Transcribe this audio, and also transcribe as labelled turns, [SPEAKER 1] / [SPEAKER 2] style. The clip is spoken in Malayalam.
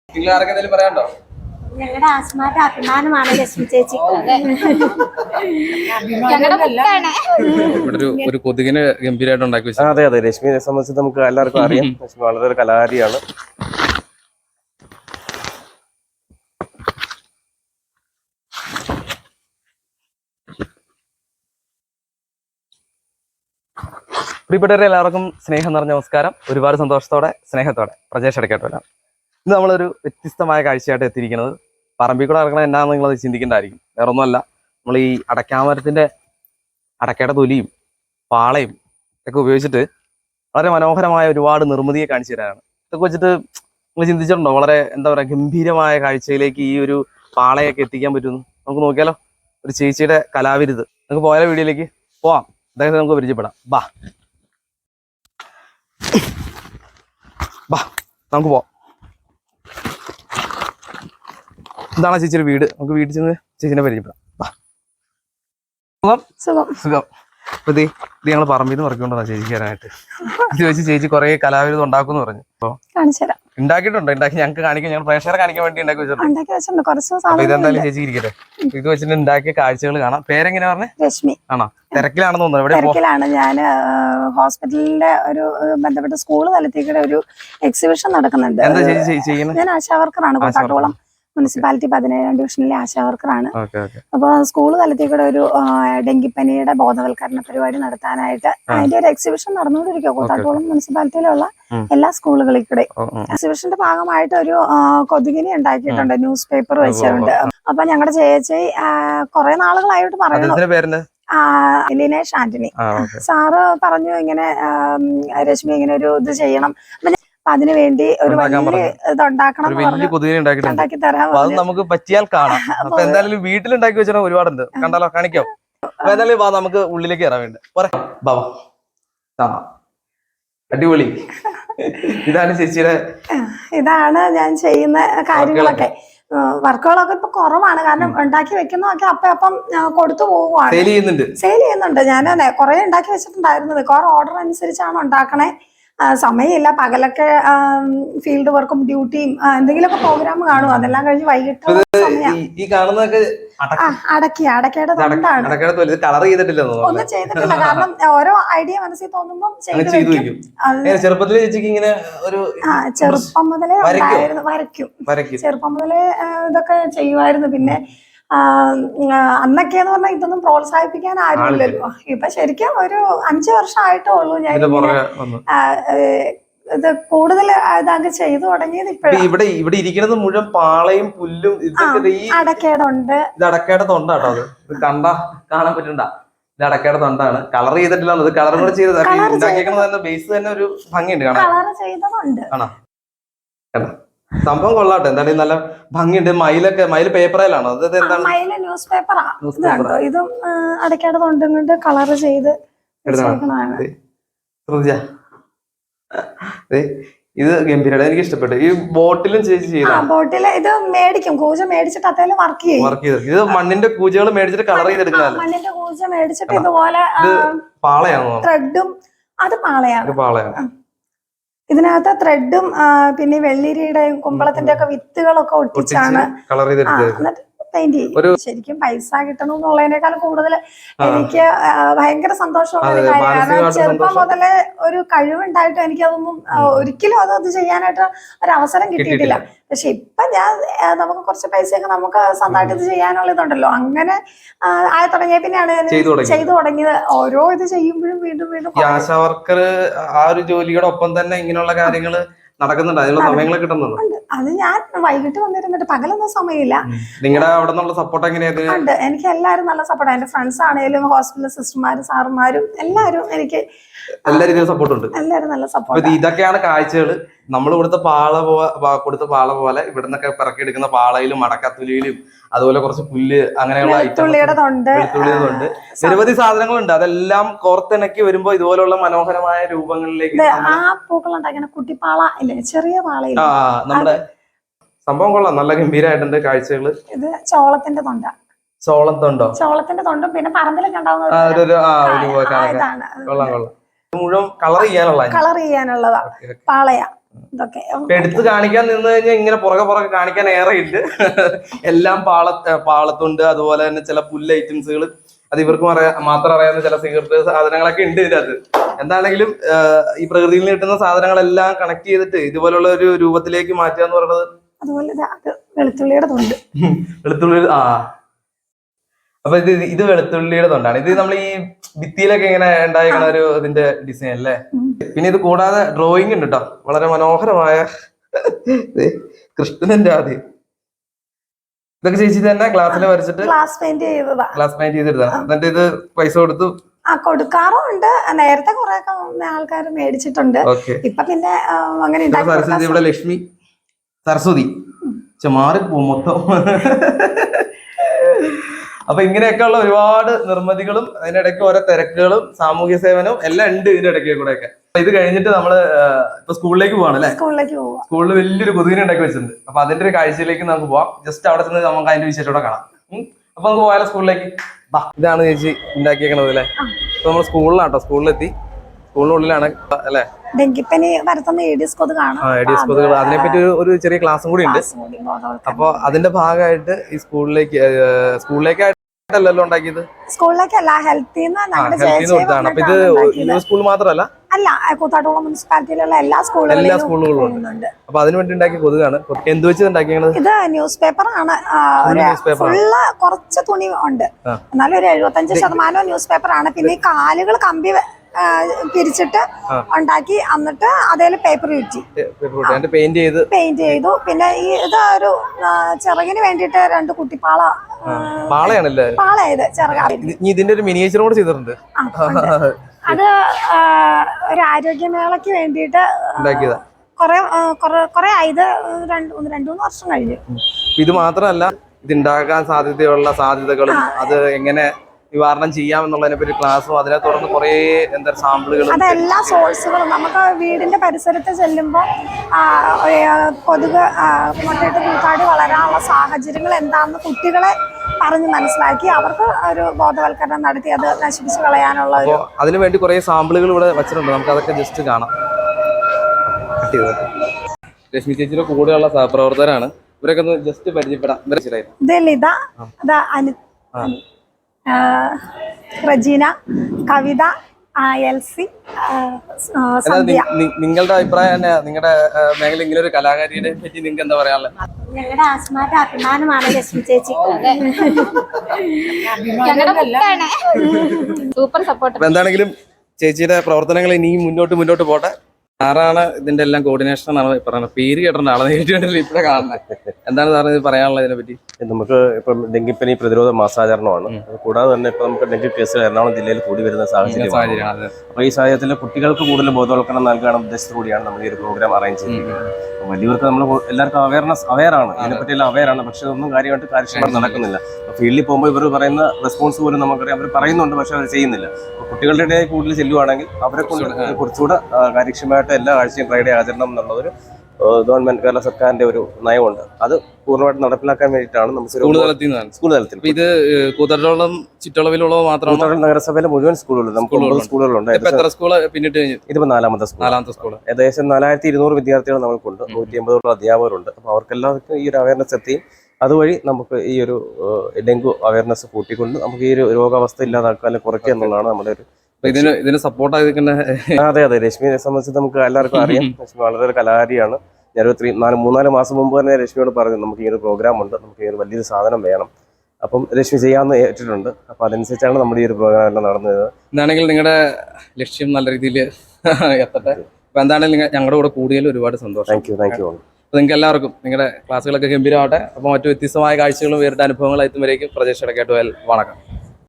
[SPEAKER 1] ഞങ്ങളുടെ ആസ്മാന്റെ അഭിമാനമാണ് ലക്ഷ്മി ചേച്ചി.
[SPEAKER 2] ഒരു കൊതുകിന് ഗംഭീരമായിട്ട് ഉണ്ടാക്കി വെച്ചു.
[SPEAKER 3] അതെ അതെ, രശ്മിയെ സംബന്ധിച്ച് നമുക്ക് എല്ലാവർക്കും അറിയാം. ലക്ഷ്മി വളരെ ഒരു കലാകാരിയാണ്. പ്രിയപ്പെട്ടവരെ എല്ലാവർക്കും സ്നേഹം നിറഞ്ഞ നമസ്കാരം. ഒരുപാട് സന്തോഷത്തോടെ സ്നേഹത്തോടെ പ്രജേഷ് അടക്കാട്ടോലാണ്. ഇന്ന് നമ്മളൊരു വ്യത്യസ്തമായ കാഴ്ചയായിട്ട് എത്തിയിരിക്കുന്നത്. പറമ്പിൽ കൂടെ ഇറങ്ങണത് എന്നാണെന്ന് നിങ്ങളത് ചിന്തിക്കേണ്ടതായിരിക്കും. വേറെ ഒന്നുമല്ല, നമ്മൾ ഈ അടയ്ക്കാമരത്തിൻ്റെ അടക്കയുടെ തൊലിയും പാളയും ഒക്കെ ഉപയോഗിച്ചിട്ട് വളരെ മനോഹരമായ ഒരുപാട് നിർമ്മിതിയെ കാണിച്ചു തരാനാണ്. ഇതൊക്കെ വെച്ചിട്ട് നിങ്ങൾ ചിന്തിച്ചിട്ടുണ്ടോ വളരെ എന്താ പറയുക ഗംഭീരമായ കാഴ്ചയിലേക്ക് ഈ ഒരു പാളയൊക്കെ എത്തിക്കാൻ പറ്റുന്നു? നമുക്ക് നോക്കിയാലോ, ഒരു ചേച്ചിയുടെ കലാവിരുത്. നമുക്ക് പോയാലോ, വീഡിയോയിലേക്ക് പോവാം. അദ്ദേഹത്തെ നമുക്ക് പരിചയപ്പെടാം. ബാ നമുക്ക് പോവാം. ഇതാണ് ചേച്ചിയുടെ വീട്. നമുക്ക് വീട്ടിൽ ചെന്ന് ചേച്ചിനെ പരിചയപ്പെടാം. സുഖം സുഖം. അപ്പൊ ഇത് ഞങ്ങൾ പറമ്പിൽ നിന്ന് പറഞ്ഞുകൊണ്ടാണ് ചേച്ചിക്ക് തരാനായിട്ട്. ഇത് വെച്ച് ചേച്ചി കുറെ കലാവിരുദ്ധം ഉണ്ടാക്കുമെന്ന് പറഞ്ഞു. അപ്പൊ ഉണ്ടാക്കിയിട്ടുണ്ടോ? ഉണ്ടാക്കി ഞങ്ങൾക്ക് കാണിക്കാൻ, ഞങ്ങൾ പ്രേക്ഷകരെ കാണിക്കാൻ വേണ്ടി ഉണ്ടാക്കി വെച്ചിട്ടുണ്ട്. അപ്പൊ ഇതെന്തായാലും ചേച്ചി ഇരിക്കട്ടെ. ഇത് വെച്ചിട്ട് ഉണ്ടാക്കിയ കാഴ്ചകൾ കാണാം. പേരെങ്ങനെയാ പറഞ്ഞേ?
[SPEAKER 1] രശ്മി.
[SPEAKER 3] ആണോ? തിരക്കിലാണെന്ന് തോന്നുന്നു.
[SPEAKER 1] തിരക്കിലാണ്. ഞാൻ ഹോസ്പിറ്റലിന്റെ ഒരു ബന്ധപ്പെട്ട സ്കൂൾ തലത്തിൽക്കൂടെ ഒരു എക്സിബിഷൻ നടക്കുന്നുണ്ട്.
[SPEAKER 3] എന്താ ചേച്ചി ചെയ്യുന്നത്?
[SPEAKER 1] ഞാൻ ആശാവർക്കറാണ്. കോട്ടാട്ടോളം മുനിസിപ്പാലിറ്റി 17ാം ഡിവിഷനിലെ ആശാവർക്കറാണ്. അപ്പൊ സ്കൂൾ തലത്തിൽ കൂടെ ഒരു ഡെങ്കിപ്പനിയുടെ ബോധവൽക്കരണ പരിപാടി നടത്താനായിട്ട് അതിന്റെ ഒരു എക്സിബിഷൻ നടന്നുകൊണ്ടിരിക്കുക കൂത്താട്ടോളം മുനിസിപ്പാലിറ്റിയിലുള്ള എല്ലാ സ്കൂളുകളിൽ കൂടെ. എക്സിബിഷന്റെ ഭാഗമായിട്ട് ഒരു കൊതുകിനെ ഉണ്ടാക്കിയിട്ടുണ്ട്, ന്യൂസ് പേപ്പർ വെച്ചുകൊണ്ട്. അപ്പൊ ഞങ്ങളുടെ ചേച്ചി കുറെ നാളുകളായിട്ട് പറയുന്നു, ലിനേഷ് ആന്റണി സാറ് പറഞ്ഞു ഇങ്ങനെ രശ്മി ഇങ്ങനെ ഒരു ഇത് ചെയ്യണം, അതിനു വേണ്ടി ഒരു വലിയ ഇതുണ്ടാക്കണം, ഉണ്ടാക്കി തരാം.
[SPEAKER 3] അത് നമുക്ക് പറ്റിയാൽ കാണാം. അപ്പൊ എന്തായാലും വീട്ടിലുണ്ടാക്കി വെച്ചാൽ ഒരുപാടുണ്ട്. കണ്ടാലോ? കാണിക്കോ? അപ്പൊ എന്തായാലും നമുക്ക് ഉള്ളിലേക്ക് കയറാൻ വേണ്ടി അടിപൊളി. ഇതാണ് ചേച്ചിയുടെ, ഇതാണ്
[SPEAKER 1] ഞാൻ ചെയ്യുന്ന കാര്യങ്ങളൊക്കെ. വർക്കുകളൊക്കെ ഇപ്പൊ കുറവാണ്, കാരണം ഉണ്ടാക്കി വെക്കുന്നതൊക്കെ അപ്പം കൊടുത്തു പോവുകയാണ്. സെയിൽ ചെയ്യുന്നുണ്ട്. ഞാൻ കുറെ ഉണ്ടാക്കി വെച്ചിട്ടുണ്ടായിരുന്നു. മിക്കവാറും ഓർഡർ അനുസരിച്ചാണ് ഉണ്ടാക്കണേ. സമയമില്ല. പകലൊക്കെ ഫീൽഡ് വർക്കും ഡ്യൂട്ടിയും എന്തെങ്കിലുമൊക്കെ പ്രോഗ്രാം കാണും. അതെല്ലാം കഴിഞ്ഞ് വൈകിട്ട് അടക്കയുടെ തൊണ്ടാണ്. ഒന്നും ചെയ്തിട്ടില്ല, കാരണം ഓരോ ഐഡിയ മനസ്സിൽ തോന്നുമ്പോൾ ചെറുപ്പം മുതലേ ഉണ്ടായിരുന്നു. വരയ്ക്കും. ചെറുപ്പം മുതലേ ഇതൊക്കെ ചെയ്യുമായിരുന്നു. പിന്നെ അന്നൊക്കെയെന്ന് പറഞ്ഞാൽ ഇതൊന്നും പ്രോത്സാഹിപ്പിക്കാൻ ആരുമില്ലല്ലോ. ഇപ്പൊ ശരിക്കും ഒരു 5 വർഷമായിട്ടേ ഉള്ളൂ ഞാൻ ഇത് കൂടുതൽ ഇതാക്കി ചെയ്തു തുടങ്ങിയത്.
[SPEAKER 3] ഇവിടെ ഇരിക്കുന്നത് മുഴുവൻ പാളയും പുല്ലും
[SPEAKER 1] അടക്കേടുണ്ട്.
[SPEAKER 3] ഇത് അടക്കയുടെ തൊണ്ടാട്ടോ. അത് കാണാൻ പറ്റണ്ട. ഇത് അടക്കയുടെ തൊണ്ടാണ്. കളർ ചെയ്തിട്ടില്ല. അത് കളർ കൂടെ ചെയ്തത് ബേസ് തന്നെ ഒരു ഭംഗിയുണ്ട് കാണാൻ.
[SPEAKER 1] കളർ ചെയ്തതുണ്ട്.
[SPEAKER 3] ആണോ? സംഭവം കൊള്ളാട്ടെ. എന്തായാലും നല്ല ഭംഗിയുണ്ട്. മയിൽ പേപ്പറിലാണോ? അത് എന്താണ്?
[SPEAKER 1] മയില് ന്യൂസ് പേപ്പറാ. ഇതും അടയ്ക്കാട് തൊണ്ടുകൊണ്ട് കളർ ചെയ്ത്
[SPEAKER 3] ഇത് ഗംഭീരമാണ്. എനിക്ക് ഇഷ്ടപ്പെട്ടു. ഈ ബോട്ടിലും ചേച്ചി ചെയ്ത
[SPEAKER 1] ബോട്ടില് ഇത് മേടിക്കും. കൂജ മേടിച്ചിട്ട് അതേലും വർക്ക് ചെയ്യും.
[SPEAKER 3] ഇത് മണ്ണിന്റെ കൂജകൾ മേടിച്ചിട്ട് കളർ ചെയ്തെടുക്കുന്ന
[SPEAKER 1] മണ്ണിന്റെ കൂജ മേടിച്ചിട്ട് ഇതുപോലെ
[SPEAKER 3] പാളയാണോ?
[SPEAKER 1] ത്രെഡും. അത് പാളയാണ്. ഇതിനകത്ത് ത്രെഡും പിന്നെ വെള്ളിരിയുടെയും കുമ്പളത്തിന്റെ ഒക്കെ വിത്തുകളൊക്കെ ഒട്ടിച്ചാണ് എന്നിട്ട് പെയിന്റ് ചെയ്യും. ശരിക്കും പൈസ കിട്ടണമെന്നുള്ളതിനേക്കാൾ കൂടുതൽ എനിക്ക് ഭയങ്കര സന്തോഷമുള്ള ഒരു കാര്യം. കാരണം ചെറുപ്പം മുതലേ ഒരു കഴിവുണ്ടായിട്ട് എനിക്കതൊന്നും ഒരിക്കലും അത് ചെയ്യാനായിട്ട് ഒരു അവസരം കിട്ടിയിട്ടില്ല. പക്ഷെ ഇപ്പൊ നമുക്ക് കുറച്ച് പൈസയൊക്കെ നമുക്ക് സ്വന്തമായിട്ട് ഇത് ചെയ്യാനുള്ള ഇതുണ്ടല്ലോ. അങ്ങനെ ആയി തുടങ്ങിയ പിന്നെയാണ് ചെയ്തു തുടങ്ങിയത്. ഓരോ ഇത് ചെയ്യുമ്പോഴും വീണ്ടും
[SPEAKER 3] ആശാവർക്കർ ആ ഒരു ജോലിയുടെ ഒപ്പം തന്നെ ഇങ്ങനെയുള്ള കാര്യങ്ങള് നടക്കുന്നുണ്ട്. അതിനുള്ള സമയങ്ങളൊക്കെ കിട്ടുന്നുണ്ട്.
[SPEAKER 1] അത് ഞാൻ വൈകിട്ട് വന്നിരുന്നിട്ട് പകലൊന്നും സമയമില്ല.
[SPEAKER 3] നിങ്ങളുടെ അവിടെ നിന്നുള്ള സപ്പോർട്ട് എങ്ങനെയാ?
[SPEAKER 1] ഉണ്ട്. എനിക്ക് എല്ലാവരും നല്ല സപ്പോർട്ട്. എന്റെ ഫ്രണ്ട്സ് ആണെങ്കിലും ഹോസ്പിറ്റൽ സിസ്റ്റർമാരും സാറുമാരും എല്ലാവരും എനിക്ക്
[SPEAKER 3] എല്ലാ രീതിയിലും സപ്പോർട്ട് ഉണ്ട്.
[SPEAKER 1] എല്ലാവരും നല്ല സപ്പോർട്ട്.
[SPEAKER 3] ഇതൊക്കെയാണ് കാഴ്ചകൾ. നമ്മൾ കൊടുത്ത പാള പോലെ ഇവിടുന്നൊക്കെ പിറക്കിയെടുക്കുന്ന പാളയിലും അടക്കത്തുലിയിലും അതുപോലെ കുറച്ച് പുല്ല് അങ്ങനെയുള്ള
[SPEAKER 1] വെളുത്തുള്ളിയുടെതുണ്ട്.
[SPEAKER 3] നിരവധി സാധനങ്ങളുണ്ട്. അതെല്ലാം കോർത്തിണക്കി വരുമ്പോ ഇതുപോലുള്ള മനോഹരമായ രൂപങ്ങളിലേക്ക്
[SPEAKER 1] ആ പൂക്കൾ ഉണ്ടാക്കുന്ന കുട്ടിപ്പാള ഇല്ലേ, ചെറിയ പാളയില്ല.
[SPEAKER 3] നമ്മുടെ സംഭവം കൊള്ളാം. നല്ല ഗംഭീരമായിട്ടുണ്ട് കാഴ്ചകള്.
[SPEAKER 1] ഇത് ചോളത്തിന്റെ തൊണ്ട. ചോളത്തിന്റെ തൊണ്ടും പിന്നെ പറമ്പിലൊക്കെ
[SPEAKER 3] ഉണ്ടാവുന്ന മുഴുവൻ കളർ ചെയ്യാനുള്ളതാ.
[SPEAKER 1] പാളയാ. ഇതൊക്കെ
[SPEAKER 3] എടുത്ത് കാണിക്കാൻ നിന്ന് കഴിഞ്ഞാൽ ഇങ്ങനെ പുറകെ കാണിക്കാൻ ഏറെ ഉണ്ട്. എല്ലാം പാളത്തുണ്ട്. അതുപോലെ തന്നെ ചില പുല്ല് ഐറ്റംസുകൾ, അത് ഇവർക്ക് മാത്രം അറിയാവുന്ന ചില സീക്രട്ട് സാധനങ്ങളൊക്കെ ഉണ്ട് ഇതിനകത്ത്. എന്താണെങ്കിലും ഈ പ്രകൃതിയിൽ നിന്ന് കിട്ടുന്ന സാധനങ്ങളെല്ലാം കണക്ട് ചെയ്തിട്ട് ഇതുപോലുള്ള ഒരു രൂപത്തിലേക്ക് മാറ്റുക എന്ന് പറയുന്നത്.
[SPEAKER 1] അതുപോലെ വെളുത്തുള്ളിയുടെ തൊണ്ട്.
[SPEAKER 3] വെളുത്തുള്ളി അപ്പൊ ഇത് വെളുത്തുള്ളിയുടെ തൊണ്ടാണ്. ഇത് നമ്മൾ ഈ ഭിത്തിയിലൊക്കെ ഇങ്ങനെ ഉണ്ടായിരിക്കണ ഒരു ഇതിന്റെ ഡിസൈൻ അല്ലേ. പിന്നെ ഇത് കൂടാതെ ഡ്രോയിങ് ഉണ്ട് കേട്ടോ, വളരെ മനോഹരമായ കൃഷ്ണന്റെ ആദ്യം. ഇതൊക്കെ ചേച്ചി തന്നെ ക്ലാസ്സിൽ വരച്ചിട്ട്
[SPEAKER 1] ഗ്ലാസ് പെയിന്റ്
[SPEAKER 3] ചെയ്തെടുത്താണ്. എന്നിട്ട് ഇത് പൈസ കൊടുത്തു
[SPEAKER 1] കൊടുക്കാറുണ്ട്. നേരത്തെ കുറെ ആൾക്കാർ മേടിച്ചിട്ടുണ്ട്. ഇപ്പൊ പിന്നെ അങ്ങനെ
[SPEAKER 3] സരസ്വതി, ഇവിടെ ലക്ഷ്മി സരസ്വതി മാറിപ്പോ മൊത്തം. അപ്പൊ ഇങ്ങനെയൊക്കെയുള്ള ഒരുപാട് നിർമ്മിതികളും അതിനിടയ്ക്ക് ഓരോ തിരക്കുകളും സാമൂഹ്യ സേവനവും എല്ലാം ഉണ്ട് ഇതിന്റെ ഇടയ്ക്ക് കൂടെ ഒക്കെ. ഇത് കഴിഞ്ഞിട്ട് നമ്മള് ഇപ്പൊ സ്കൂളിലേക്ക് പോവാണ് അല്ലെ. സ്കൂളിൽ വലിയൊരു കൊതുകിനെ ഉണ്ടാക്കി വെച്ചിട്ടുണ്ട്. അപ്പൊ അതിന്റെ ഒരു കാഴ്ചയിലേക്ക് നമുക്ക് പോവാം. ജസ്റ്റ് അവിടെ ചെന്ന് നമുക്ക് അതിന്റെ വിശേഷത്തോടെ കാണാം. അപ്പൊ നമുക്ക് പോയാലോ സ്കൂളിലേക്ക്. ഇതാണ് ചേച്ചി ഉണ്ടാക്കിയേക്കണത് അല്ലെ. ഇപ്പൊ നമ്മൾ സ്കൂളിലാട്ടോ, സ്കൂളിലെത്തി. സ്കൂളിനുള്ളിലാണ് അല്ലെ.
[SPEAKER 1] ഡെങ്കിപ്പനി പരത്തുന്ന ഏഡിയസ്
[SPEAKER 3] കൊതുകുകൾ, അതിനെപ്പറ്റി ഒരു ചെറിയ ക്ലാസ്സും കൂടി ഉണ്ട്. അപ്പൊ അതിന്റെ ഭാഗമായിട്ട് ഈ സ്കൂളിലേക്കായിട്ടല്ലോ ഉണ്ടാക്കിയത്.
[SPEAKER 1] സ്കൂളിലേക്കല്ല, ഹെൽത്തിന്ന്
[SPEAKER 3] കൊടുത്താണ്. അപ്പൊ ഇത് സ്കൂൾ മാത്രമല്ല,
[SPEAKER 1] അല്ല കൂത്താട്ടുകുളം മുനിസിപ്പാലിറ്റിയിലുള്ള എല്ലാ
[SPEAKER 3] സ്കൂളുകളും ഉണ്ട്. അപ്പൊ അതിനു വേണ്ടി ഉണ്ടാക്കിയ കൊതുകാണ്. എന്ത് വെച്ച് ഉണ്ടാക്കിയത്?
[SPEAKER 1] ഇത് ന്യൂസ് പേപ്പർ ആണ്. ഫുള്ള് കുറച്ച് തുണി ഉണ്ട്, എന്നാലും ഒരു 75% ന്യൂസ് പേപ്പർ ആണ്. പിന്നെ ഈ കാലുകൾ കമ്പി പിരിച്ചിട്ട് ഉണ്ടാക്കി, എന്നിട്ട് അതേല് പേപ്പർ ചുറ്റി
[SPEAKER 3] പെയിന്റ്
[SPEAKER 1] ചെയ്തു. പിന്നെ ഈ ഇതൊരു ചിറകിന് വേണ്ടിട്ട് 2 കുട്ടിപ്പാള പാളയത്
[SPEAKER 3] ഇതിന്റെ ഒരു മിനിയേച്ചർ കൂടെ ചെയ്തിട്ടുണ്ട്.
[SPEAKER 1] അത് ഒരു ആരോഗ്യമേളക്ക് വേണ്ടിട്ട് കൊറേ ആയത് 2-3 വർഷം കഴിഞ്ഞു.
[SPEAKER 3] ഇത് മാത്രമല്ല, ഇതുണ്ടാകാൻ സാധ്യതകളും അത് എങ്ങനെ നിവാരണം ചെയ്യാം എന്നുള്ളതിനെ പറ്റി ക്ലാസ്സും, അതിനെ തുടർന്ന് കുറെ സാമ്പിളുകളും,
[SPEAKER 1] അതെല്ലാ സോഴ്സുകളും നമുക്ക് വീടിന്റെ പരിസരത്ത് ചെല്ലുമ്പോൾ കൊതുക് മുട്ടയിട്ട് കൂത്താടി വളരാനുള്ള സാഹചര്യങ്ങൾ എന്താണെന്ന് കുട്ടികളെ പറഞ്ഞ് മനസ്സിലാക്കി അവർക്ക് ഒരു ബോധവൽക്കരണം നടത്തി അത് നശിപ്പിച്ച് കളയാനുള്ള
[SPEAKER 3] അതിനുവേണ്ടി കുറെ സാമ്പിളുകൾ ഇവിടെ വെച്ചിട്ടുണ്ട്. നമുക്ക് അതൊക്കെ ജസ്റ്റ് കാണാം. രശ്മി ചേച്ചിയുടെ കൂടെയുള്ള സഹപ്രവർത്തകരാണ് ഇവരൊക്കെ ഒന്ന് ജസ്റ്റ് പരിചയപ്പെടാം.
[SPEAKER 1] ഇത് ലിത, റജീന, കവിത, എൽസി,
[SPEAKER 3] നിങ്ങളുടെ അഭിപ്രായം തന്നെ, നിങ്ങളുടെ മേഖല ഇങ്ങനെ ഒരു കലാകാരിയെ പറ്റി നിങ്ങൾക്ക് എന്താ പറയാനുള്ളത്?
[SPEAKER 4] ഞങ്ങളുടെ ആസ്മാരുടെ അഭിമാനമാണ് ലക്ഷ്മി ചേച്ചി. Super support.
[SPEAKER 3] എന്താണെങ്കിലും ചേച്ചിയുടെ പ്രവർത്തനങ്ങൾ ഇനിയും മുന്നോട്ട് പോട്ടെ. സാറാണ് ഇതിന്റെ എല്ലാം കോർഡിനേഷൻ എന്നാണ് പറയുന്നത്. പേര് കേട്ടിട്ടുണ്ട്, ആളെ നേരിട്ട് ഇപ്പഴേ കാണുന്നത്. എന്താണ് സാറിന് ഇത് പറയാനുള്ളത് ഇതിനെ പറ്റി?
[SPEAKER 5] നമുക്ക് ഇപ്പം ഡെങ്കിപ്പനി പ്രതിരോധ മാസാചരണമാണ്. കൂടാതെ തന്നെ ഇപ്പൊ നമുക്ക് ഡെങ്കി കേസുകൾ എറണാകുളം ജില്ലയിൽ കൂടി വരുന്ന സാഹചര്യമാണ്. അപ്പൊ ഈ സാഹചര്യത്തിൽ കുട്ടികൾക്ക് കൂടുതൽ ബോധവൽക്കരണം നൽകാനുള്ള ഉദ്ദേശത്തോടെയാണ് നമ്മൾ ഈ ഒരു പ്രോഗ്രാം അറേഞ്ച് ചെയ്തിരിക്കുന്നത്. വലിയവർക്ക് നമ്മൾ എല്ലാവർക്കും അവെയറാണ്, ഇതിനെപ്പറ്റിയെല്ലാം അവെയറാണ്. പക്ഷെ ഒന്നും കാര്യമായിട്ട് കാര്യക്ഷമമായിട്ട് നടക്കുന്നില്ല. ഫീൽഡിൽ പോകുമ്പോൾ ഇവർ പറയുന്ന റെസ്പോൺസ് പോലും നമുക്കറിയാം, അവർ പറയുന്നുണ്ട് പക്ഷെ അവർ ചെയ്യുന്നില്ല. കുട്ടികളുടെ ഇടയിൽ കൂടുതൽ ചെല്ലുവാണെങ്കിൽ അവരെ കുറച്ചുകൂടെ കാര്യക്ഷമമായിട്ട് എല്ലാ ആഴ്ചയും ഫ്രൈഡേ ആചരണം എന്നുള്ളതൊരു ഗവൺമെന്റ് കേരള സർക്കാരിന്റെ ഒരു നയമുണ്ട്. അത് പൂർണ്ണമായിട്ട് നടപ്പിലാക്കാൻ വേണ്ടിയിട്ടാണ് നമുക്ക് സ്കൂൾ തലത്തിൽ
[SPEAKER 3] ഇത് കൂത്താട്ടോളം ചുറ്റളവിലുള്ളത് മാത്രമാണ്.
[SPEAKER 5] നഗരസഭയിലെ മുഴുവൻ സ്കൂളുകളുണ്ട്. നമുക്ക് 9 സ്കൂളുകളുണ്ട്. ഇതിപ്പോ 4ാമത്തെ സ്കൂൾ. ഏകദേശം 4200 വിദ്യാർത്ഥികൾ നമുക്കുണ്ട്. 180 അധ്യാപകരുണ്ട്. അപ്പൊ അവർക്കെല്ലാവർക്കും ഈ ഒരു അവയർനെസ് എത്തിയും അതുവഴി നമുക്ക് ഈ ഒരു ഡെങ്കു അവയർനെസ് കൂട്ടിക്കൊണ്ട് നമുക്ക് ഈ ഒരു രോഗാവസ്ഥ ഇല്ലാതാക്കാൻ കുറയ്ക്കുക എന്നുള്ളതാണ് നമ്മുടെ ഒരു
[SPEAKER 3] ഇതിന് സപ്പോർട്ടായിരിക്കുന്ന.
[SPEAKER 5] അതെ, രശ്മിയെ സംബന്ധിച്ച് നമുക്ക് എല്ലാവർക്കും അറിയാം. രശ്മി വളരെ ഒരു കലാകാരിയാണ്. ഞാൻ 3-4 മാസം മുമ്പ് തന്നെ രശ്മിയോട് പറഞ്ഞു നമുക്ക് ഈ ഒരു പ്രോഗ്രാം ഉണ്ട്, നമുക്ക് ഈ ഒരു വലിയൊരു സാധനം വേണം. അപ്പം രശ്മി ചെയ്യാമെന്ന് ഏറ്റിട്ടുണ്ട്. അപ്പൊ അതനുസരിച്ചാണ് നമ്മുടെ ഈ ഒരു പ്രോഗ്രാം എല്ലാം നടന്നത്.
[SPEAKER 3] എന്താണെങ്കിൽ നിങ്ങളുടെ ലക്ഷ്യം നല്ല രീതിയിൽ എത്തട്ടെ. അപ്പൊ എന്താണെങ്കിലും ഞങ്ങളുടെ കൂടെ കൂടിയതിൽ ഒരുപാട് സന്തോഷം.
[SPEAKER 5] Thank you.
[SPEAKER 3] അപ്പോൾ നിങ്ങൾക്ക് എല്ലാവർക്കും നിങ്ങളുടെ ക്ലാസ്സുകളൊക്കെ ഗംഭീരമാവട്ടെ. അപ്പോൾ മറ്റു വ്യത്യസ്തമായ കാഴ്ചകളും വേറിട്ട അനുഭവങ്ങളായി എത്തുമ്പോഴേക്കും പ്രജേഷ് ഇടക്കേട്ടുപോയാൽ വണക്കം.